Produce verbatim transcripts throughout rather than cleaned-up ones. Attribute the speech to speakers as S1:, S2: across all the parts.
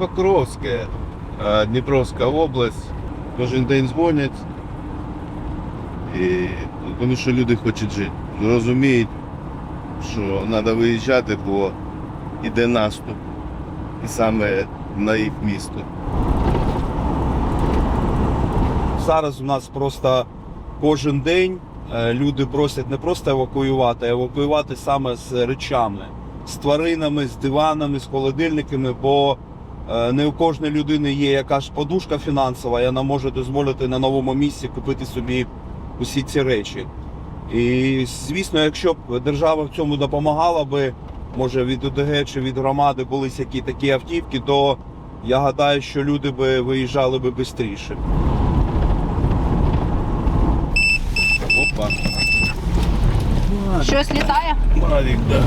S1: Покровське, Дніпровська область. Кожен день дзвонять, і, тому що люди хочуть жити. Розуміють, що треба виїжджати, бо йде наступ. І саме на їх місто.
S2: Зараз у нас просто кожен день люди просять не просто евакуювати, а евакуювати саме з речами. З тваринами, з диванами, з холодильниками, бо не у кожної людини є якась подушка фінансова, і вона може дозволити на новому місці купити собі усі ці речі. І, звісно, якщо б держава в цьому допомагала би, може від ОТГ чи від громади були які такі автівки, то я гадаю, що люди би виїжджали би швидше.
S1: Опа.
S3: Щось літає?
S1: Мавік, да.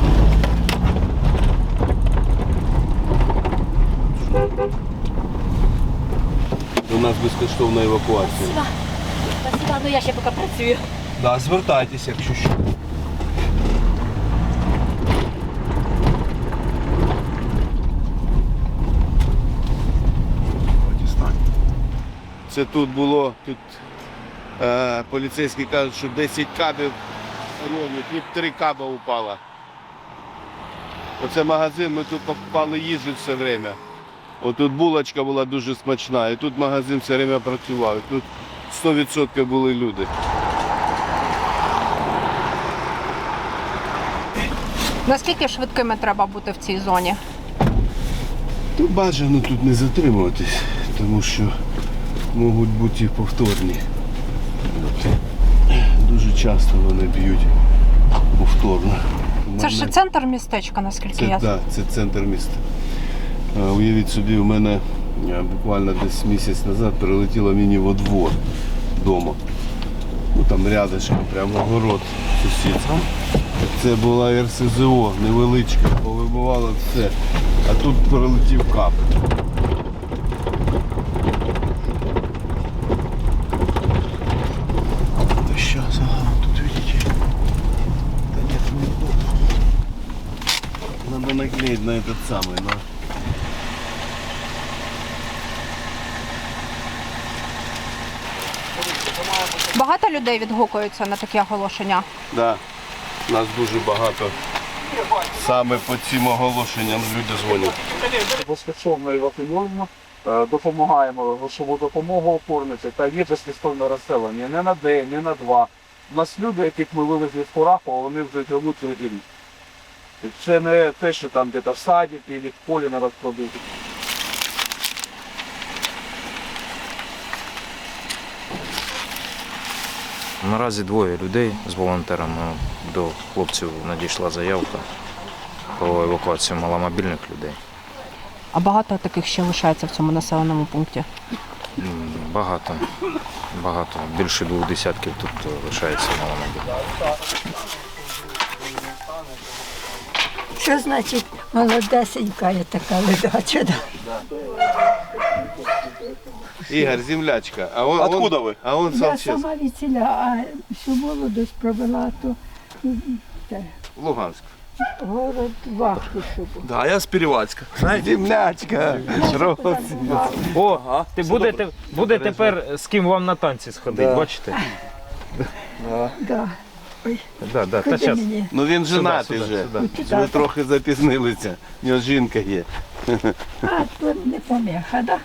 S1: У нас безкоштовна евакуація.
S3: Спасибо, ну я ще поки працюю.
S2: Да, звертайтеся, якщо що.
S1: Це тут було, тут е, поліцейські кажуть, що десять кабів ровно, тут три каба упало. Оце магазин, ми тут покупали їжу все время. Отут булочка була дуже смачна, і тут магазин все время працював. І тут сто відсотків були люди.
S3: Наскільки швидкими треба бути в цій зоні?
S1: Тут бажано тут не затримуватись, тому що можуть бути повторні. Дуже часто вони б'ють повторно.
S3: Це ж центр містечка, наскільки
S1: Це,
S3: я знаю.
S1: да, це центр міста. А, уявіть собі, у мене а, буквально десь місяць назад прилетіло мені во двор вдома. Ну там рядышком, прямо город сусідський. Це була ер ес зе о, невеличка, повибивало все. А тут прилетів кап. Сейчас, ага, тут видите. Да нет, не надо наклеить на этот самый, на...
S3: Багато людей відгукуються на такі оголошення?
S1: Да, нас дуже багато. Саме по цим оголошенням люди дзвонять.
S4: Безкоштовно евакуюємо, е, допомагаємо грошову допомогу оформити та є безкоштовне розселення не на день, не на два. У нас люди, яких ми вивезли з Курахова, вони вже живуть цілий рік. Це не те, що там десь в саді, чи в полі на розкладу.
S5: Наразі двоє людей з волонтерами. До хлопців надійшла заявка про евакуацію маломобільних людей.
S3: А багато таких ще лишається в цьому населеному пункті?
S5: М, Багато, багато. Більше двох десятків тут лишається маломобільних.
S6: Що значить молодесенька є така ледача?
S1: Ігор, землячка. А он,
S2: Откуда
S1: он,
S2: ви?
S1: А он
S6: Я
S1: сам
S6: сама від селя, а всю молодость провела, то те,
S1: Луганськ.
S6: город Вахтушев.
S2: Да, я з Перевальська.
S1: Землячка.
S7: О, ти будете, буде тепер з ким вам на танці сходити,
S2: Да.
S7: бачите?
S6: Да. Ой,
S7: Да, да, та
S6: куди
S7: щас.
S6: мені?
S1: Ну він женатий
S7: сюди,
S1: вже.
S7: сюди.
S1: Ви трохи запізнилися. У нього жінка є.
S6: А, тут не помеха, да?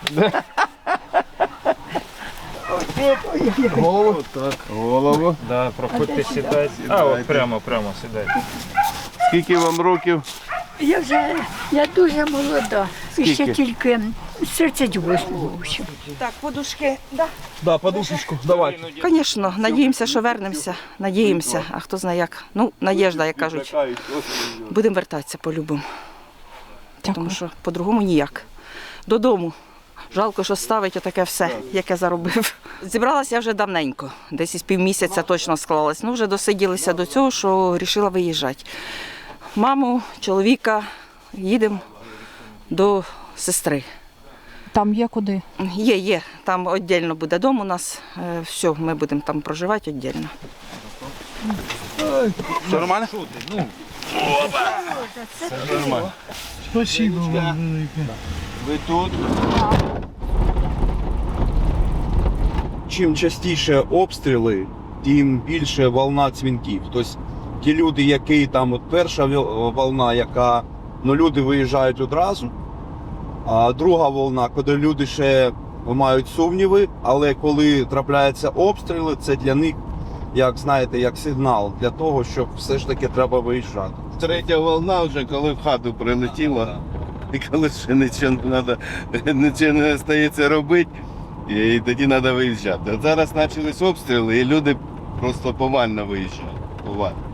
S6: Ой-ой-ой.
S1: Голову так. Голову.
S7: Да, проходьте,
S6: А де сюди?
S7: сідайте. А, от прямо, прямо сідайте.
S1: Скільки вам років?
S6: Я вже, я дуже молода. І ще
S1: Скільки?
S6: тільки з тридцять восьмого. в общем.
S8: Так, подушки. Да.
S2: Да, подушечку, давай.
S8: Звісно, надіємося, що вернемося. Надіємося, а хто знає як. Ну, надіжда, як кажуть. Будемо вертатися по-любому. Тому що по-другому ніяк. Додому. Жалко, що ставить отаке все, яке заробив. Зібралася я вже давненько, десь із півмісяця точно склалась. Ну, вже досиділися до цього, що вирішила виїжджати. Маму, чоловіка, їдемо до сестри.
S3: Там є куди?
S8: Є, є, там віддільно буде дом у нас. Е, Все, ми будемо там проживати віддільно.
S2: Все нормально?
S1: Спасибо вам велике. Ви тут?
S2: Чим частіше обстріли, тим більше волна дзвінків. Тобто ті люди, які там от перша віл- волна, яка ну, люди виїжджають одразу, а друга волна, коли люди ще мають сумніви, але коли трапляються обстріли, це для них, як знаєте, як сигнал для того, щоб все ж таки треба виїжджати.
S1: Третя волна вже, коли в хату прилетіла, і коли ще нічого не треба, нічого не стається робити, і тоді треба виїжджати. От зараз почались обстріли, і люди просто повально виїжджають. Повально.